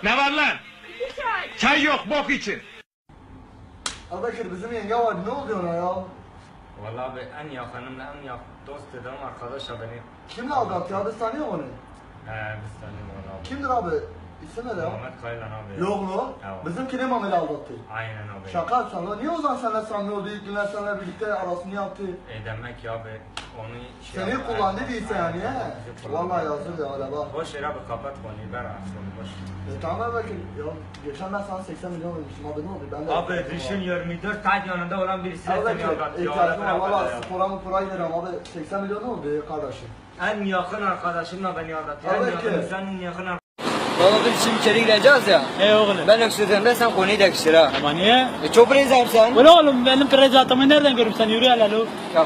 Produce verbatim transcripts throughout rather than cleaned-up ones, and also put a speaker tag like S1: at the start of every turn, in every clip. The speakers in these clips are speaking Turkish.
S1: Ne var lan?
S2: Çay.
S1: Çay yok, bok için.
S3: Arkadaşlar bizim yenge var, ne oluyor ona ya?
S4: Vallahi abi en yakınımla en yakın dost dedim arkadaşa beni.
S3: Kimle aldattı ya? Biz tanıyor onu.
S4: He biz tanıyorum onu abi.
S3: Kimdir abi? İsim ne ya?
S4: Muhammed Kaylan abi.
S3: Yok mu?
S4: Evet.
S3: Bizimkine Mameli aldattı.
S4: Aynen abi.
S3: Şaka yapsan lan. Niye o zaman seninle samimi oldu? İlk günler seninle birlikte arasını yaptı.
S4: E demek ki abi onu şey
S3: Seni
S4: yapar-
S3: kullandı değilse yani he.
S4: Bizi kullandı.
S3: Vallahi yazık ya öyle bak.
S4: Boş yere abi kapat konuyu ver aslında boş.
S3: E tamam bakın. Ya geçen ben sana seksen milyon vermiştim abi, ne oldu? Ben de
S4: Abi düşün yirmi dört saat yanında olan birisi de
S3: Abi
S4: seni aldattıyor.
S3: ihtiyacım var valla,
S4: Ya.
S3: spora mı pura giderim abi. seksen milyon ne oldu ya kardeşim?
S4: En yakın arkadaşımla beni aldatıyor. En
S3: Abi
S4: yakın
S3: ki.
S4: senin yakın arkadaşın.
S5: Baba biz şimdi içeri gireceğiz ya.
S6: Hey oğlum.
S5: Ben öksürdüğümde sen konuyu da öksür ha.
S6: Ama niye?
S5: E çok rezerv sen.
S6: Ulan oğlum benim prezatımı nereden görüp sen yürü hele lo.
S5: Ya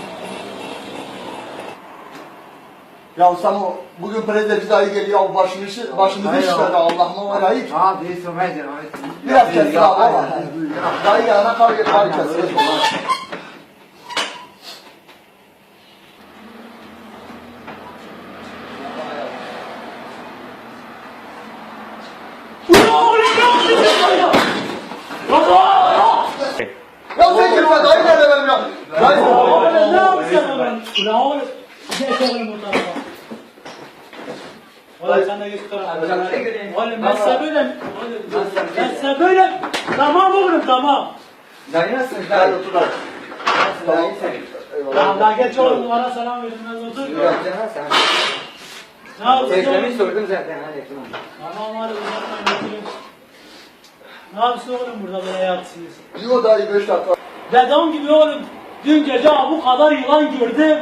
S3: Ya sen o bugün prezident dayı geliyor, başımızı başımızı işledi Allah'ıma var ayıp.
S5: abi söylemeyin abi.
S3: Biraz kesin abi valla. Dayı gelene kar gel kar kesin. Ya sen kimse dayı nerede benim ya? Dayı.
S6: Oğlum ne yapıyorsun oğlum? Ulan oğlum. Geç oğlum buradan. Oğlum sen de geç kıra. Oğlum ben size böyle. Ben size böyle. Tamam oğlum tamam.
S5: Dayı nasılsın
S3: Gel
S5: dayı?
S3: otur dayı.
S5: Dayı sen.
S6: Tamam daha geç oğlum bana selam verin ben otur.
S5: Yok canım sen.
S6: Ne yapıyorsun
S5: Ekrem'i
S6: oğlum?
S5: sordum zaten hadi tamam.
S6: Tamam hadi uzatmayın oturun. Ne yapıyorsun oğlum burada böyle yatsınız?
S3: Yo dayı beş dakika.
S6: Dedem gibi oğlum. Dün gece bu kadar yılan gördüm.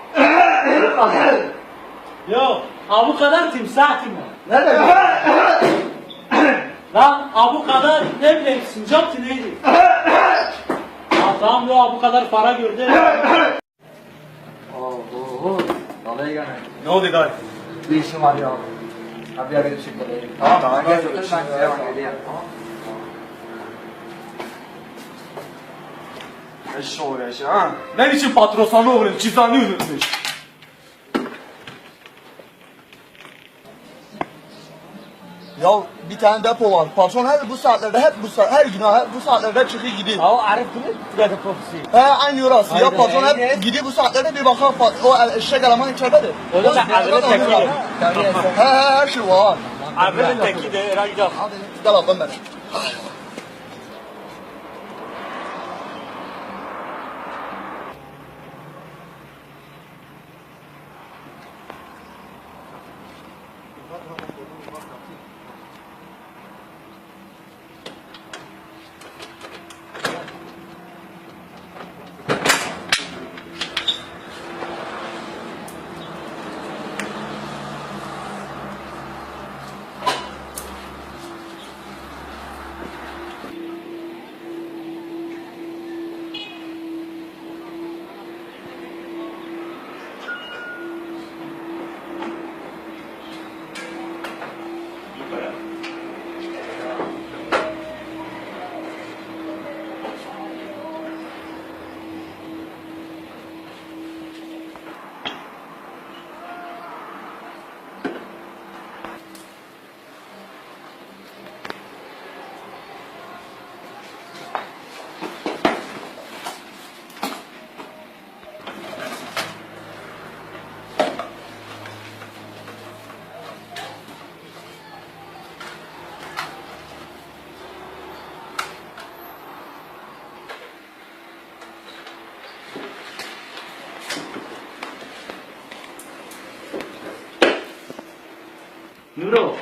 S6: Yok. Ha bu kadar timsah timi.
S3: Nerede?
S6: Lan ha bu kadar ne bileyim sincap tı neydi? Ha tamam lo ha bu kadar para gördüm.
S5: Oho. Vallahi gene.
S6: Ne oldu gari?
S5: Bir işim var ya. Abi abi teşekkür ederim. Tamam tamam gel otur ben size bak geleyim. Tamam.
S7: Eşşi uğraş ha. Ne biçim patron sana uğrayın, cüzdanı unutmuş.
S3: Ya bir tane depo var. Patron her bu saatlerde hep bu saat her gün ha, bu saatlerde çıkıyor gidiyor.
S6: Ha o Arif bunu dedi popsi.
S3: He aynı orası. Ya
S6: Aynen,
S3: patron
S5: aynen.
S3: hep gidiyor bu saatlerde bir bakar pat- o eşek eleman içeridedir.
S6: O da
S3: O
S6: ben
S3: saatlerde
S6: Arif'e
S3: oluyor
S6: tekilim.
S3: abi. He he her şey var.
S6: Arif'in teki de herhalde.
S3: Hadi gel bakalım ben.
S6: Nuro.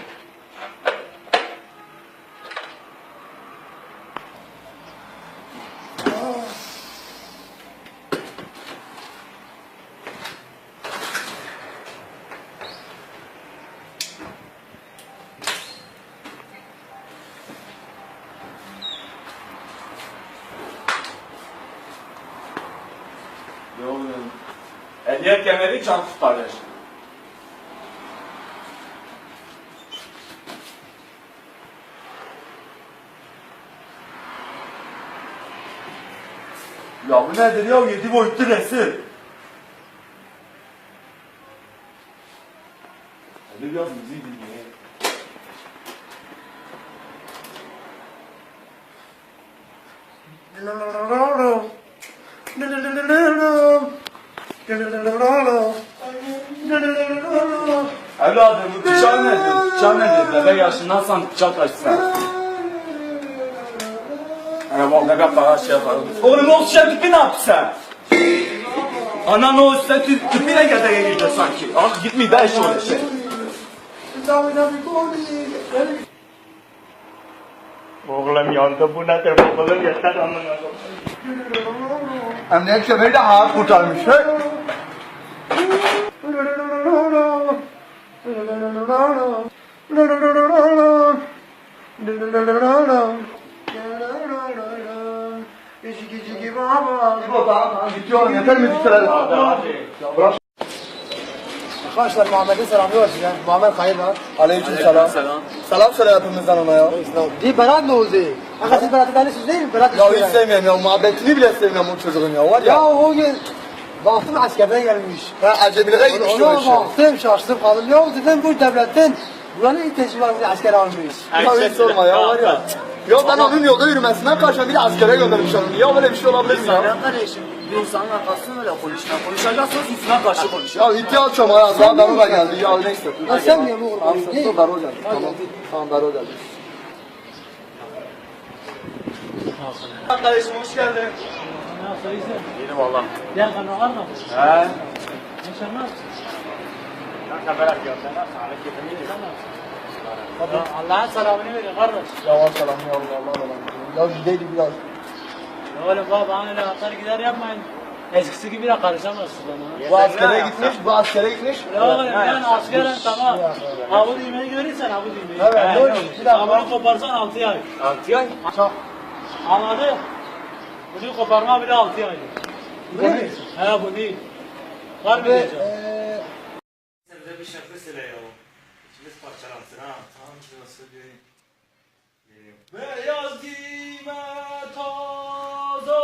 S7: Ne oluyor? Ehliyet kemeri can kurtarır. Ya bu nedir ya? Yedi boyutlu resim. Hadi biraz müziği dinleyelim. Evladım bu bıçağı nedir? Bıçağı nedir? Bebek yaşındaysan bıçak açsın. Ana bak bebek bana şey yapalım. Oğlum o şey tüpü ne yaptı sen? Anan o üstte tüp, tüpüyle gedeye girdi sanki. Ah gitmeyi de eşi öyle şey.
S4: Oğlum yandı bu nedir? Babalar yeter amına.
S3: Emniyet kemeri de hayat kurtarmış. Hey. İbo tamam tamam gidiyorum yeter mi diktirelim?
S5: Arkadaşlar Muhammed'in selamı var size. Muhammed hayır lan.
S3: Aleyküm selam. Selam söyle hepimizden ona ya.
S5: Değil Berat ne oldu? Kanka siz Berat'ı tanıyorsunuz değil mi? Berat
S3: Ya hiç
S5: istiyor.
S3: sevmiyorum ya muhabbetini bile sevmiyorum o çocuğun ya var ya.
S5: Ya o gün baktım askerden gelmiş.
S3: Ben acemilere gitmiş o
S5: Ona
S3: işe.
S5: baktım şaştım kaldım. Ya dedim bu devletten buranın ilk teşkilatı asker almış.
S3: Ya hiç sorma ya var ya. Ya ben onun yolda yürümesinden karşıma bir de askere göndermiş onu. Ya böyle bir şey olabilir mi ya?
S5: kardeşim bir insanın arkasını öyle konuşacak. Konuşacaksınız üstüne karşı konuş.
S3: Ya ihtiyaç çok ya. Daha Daro da geldi. Ya neyse.
S5: Ya sen niye bu oğlum?
S3: Tamam dur Daro geldi. Tamam. Tamam Daro geldi.
S7: Kardeşim hoş geldin.
S6: Nasıl iyisin?
S7: İyiyim valla.
S6: Gel kanka var mı?
S7: He.
S6: Nişan nasıl?
S4: Kanka bırak ya sen nasıl? Halet getirmeyi
S6: Ya Allah'ın selamını verin kardeş.
S3: Yavaş selam ya Allah Allah Allah. Ya gideydi biraz.
S6: Ya oğlum baba bana öyle atar gider yapmayın. Eskisi gibi de karışamazsın bana.
S3: Bu askere gitmiş, bu askere gitmiş.
S6: Ya oğlum ben askeren tamam. Ha bu düğmeyi görürsen ha bu düğmeyi.
S3: Evet,
S6: He,
S3: dur,
S6: yok.
S3: bir dakika.
S6: Ha bunu koparsan altı ay.
S7: Altı ay.
S6: Anladın? Bunu koparma bile altı ay.
S3: Bu ne?
S6: He bu değil. Var mı
S3: Ve
S6: diyeceğim?
S3: eee
S4: Sen de bir şarkı söyle ya. İçimiz parçalansın ha. Tamam şuna söyleyeyim.
S7: Beyaz giyme toz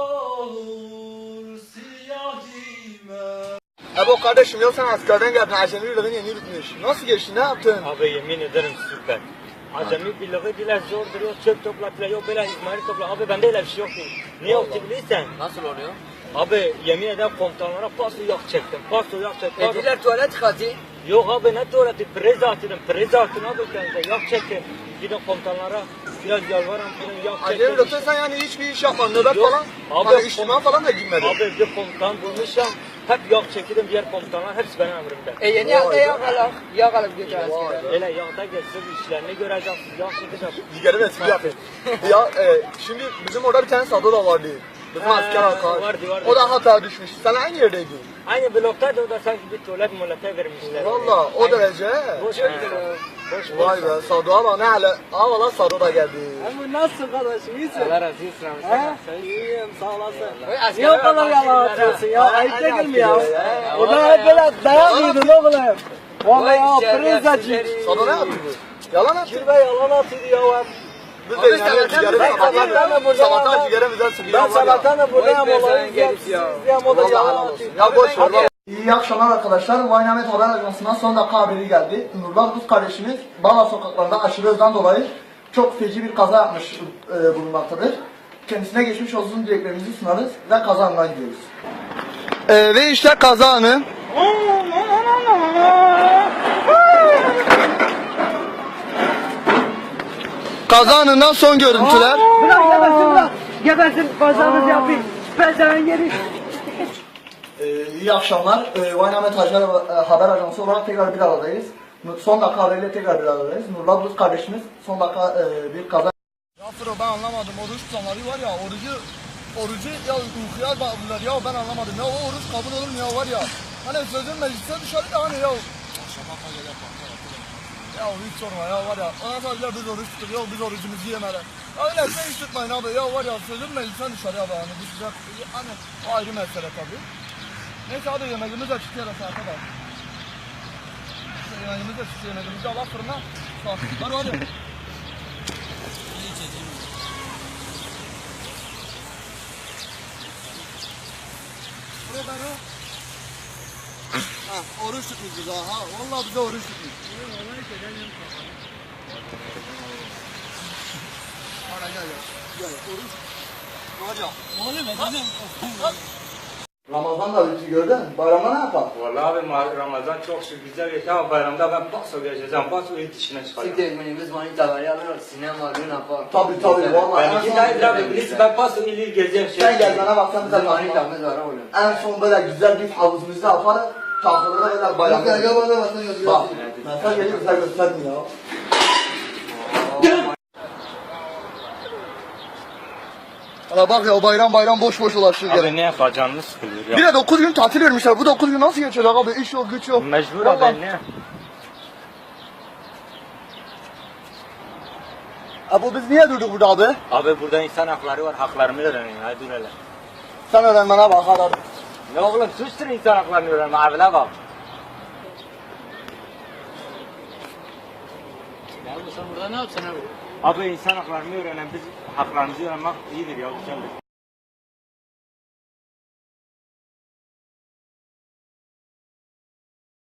S7: olur, siyah giyme.
S3: Ebo kardeşim ya sen askerden geldin. Acemi yürüdün yeni yürütmüş. Nasıl geçti? Ne yaptın?
S4: Abi yemin ederim süper. Acemi birliği bile zor duruyor. Çöp topla, yok böyle izmari topla. Abi bende öyle bir şey yok. Niye yok ki bilirsen?
S5: Nasıl oluyor?
S4: Abi yemin ederim komutanlara paso yak çektim. Paso yak çektim.
S5: Ediler tuvalet katı.
S4: Yok abi ne tuvaleti? Prez atırım. Prez atın abi kendinize. Yak çekin. Gidin komutanlara. Biraz yalvarın. Gidin yak çekin.
S3: Acemi yürütün sen yani hiçbir iş yapmadın. Nöbet
S4: Yok.
S3: falan.
S4: Abi,
S3: Hani içtiman falan da girmedin.
S4: Abi bir komutan bulmuşum. Hep yak çekildim diğer komutanlar. Hepsi benim emrimde.
S5: E yeni yakta yakalım. Yakalım götür askere.
S4: Öyle yakta geçsin işlerini göreceksiniz. Yak çekeceksiniz.
S3: Digeri de espri yapayım. Ya e, şimdi bizim orada bir tane Sado da vardı. Bizim
S4: He,
S3: asker arkadaş.
S4: vardı, vardı.
S3: O da hata düşmüş. Sen aynı yerdeydin.
S4: Aynı bloktaydı o da sanki bir tuvalet molete vermişler.
S3: Valla o derece.
S4: Boş ver. Boş ver.
S3: Vay be Sado ama ne hale. Aa valla Sado da geldi.
S5: Bu nasıl kardeşim? İyisin.
S4: Allah razı olsun.
S5: He? İyiyim sağ olasın. Niye o kadar yalan atıyorsun ya? Ayıp değil mi ya?
S3: Ya.
S5: Orada hep böyle dayak yiyordun oğlum. Vallahi ya pırızacı.
S3: Sado ne yaptı bu? Yalan attı.
S5: Kirve yalan atıyordu ya.
S3: Biz de inanıyoruz ciğeri
S5: ben- ben- ben de
S3: sabahlar.
S5: burada-
S3: Sabahlar ciğeri bize sıkıyor.
S5: Ben
S3: var ya.
S5: sabahtan da buradayım olayı izleyeyim. O da
S3: Vallahi
S5: yalan
S3: helal olsun.
S5: atıyor.
S3: Ya boş ver. İyi akşamlar arkadaşlar. Vaynamet Haber Ajansı'ndan son dakika haberi geldi. Nurlar Rus kardeşimiz Bala sokaklarında aşırı hızdan dolayı çok feci bir kaza yapmış e, bulunmaktadır. Kendisine geçmiş olsun dileklerimizi sunarız ve kaza anına gidiyoruz. E, ve işte kaza anı. Kaza anından son görüntüler.
S5: Bırak gebersin bırak. Gebersin pazarınızı yapayım. Ben sana yeri.
S3: Ee, iyi akşamlar. Ee, Vaynamet Haber, Haber Ajansı olarak tekrar bir aradayız. Son dakika haberiyle tekrar bir aradayız. Nurlar Buz kardeşimiz son dakika e, bir kaza... Ya Fıro ben anlamadım. Oruç tutanları var ya, orucu orucu ya uykuya bağlılar ya ben anlamadım. Ya o oruç kabul olur mu ya var ya. Hani sözün meclise dışarı da hani ya. Ya hiç sorma ya var ya. Ona sadece biz oruç tutup ya biz orucumuzu yemeler. Ya öyle şey hiç tutmayın abi ya var ya sözün meclise dışarı abi. Hani bu sıcak hani o ayrı mesele tabii. Neyse hadi yemeğimiz de çıkıyor saate de. Yemeğimiz de çıkıyor, yemeğimizi de Allah fırına. Hadi hadi. Buraya ben o. Ha, oruç tutmuş bize ha. Vallahi bize oruç tutmuş. Hadi gel gel. Gel oruç.
S6: Oğlum efendim.
S3: Ramazan da bitti gördün. Bayramda ne yapalım?
S4: Vallahi abi ma- Ramazan çok şükür güzel geçti ama bayramda ben paso geçeceğim. Paso ilk dışına çıkacağım.
S5: Siktir etmeni manitaları alırız. Sinema düğün yapar.
S3: Tabii tabii vallahi.
S4: Ben
S3: en
S4: iki
S3: son-
S4: tane abi birisi ben paso ili gezeceğim şey.
S3: Sen gel bana bak sen bize
S5: Bizim
S3: bak.
S5: manitamız var oğlum.
S3: En son böyle güzel bir havuzumuzda yaparız. Tahtalara böyle bayram. Gel gel bana bak. Bak. Mesaj geliyor sen göstermiyor ya. Ana bak ya o bayram bayram boş boş ulaşıyor gene.
S4: Abi ne yapacağını sıkılıyor ya.
S3: Bir de dokuz gün tatil vermişler. Bu dokuz gün nasıl geçecek abi? İş yok, güç yok.
S4: Mecbur
S3: Vallahi.
S4: abi ne?
S3: Abi biz niye durduk burada abi?
S4: Abi burada insan hakları var. Haklarımı öğrenin. Hadi dur hele.
S3: Sen öğrenmene bak hadi.
S4: Ne oğlum suçtur insan haklarını öğrenme. Abine bak.
S6: Ya bu sen burada ne yapsın abi?
S4: Abi insan haklarını öğrenen biz haklarımızı öğrenmek iyidir ya güzeldir.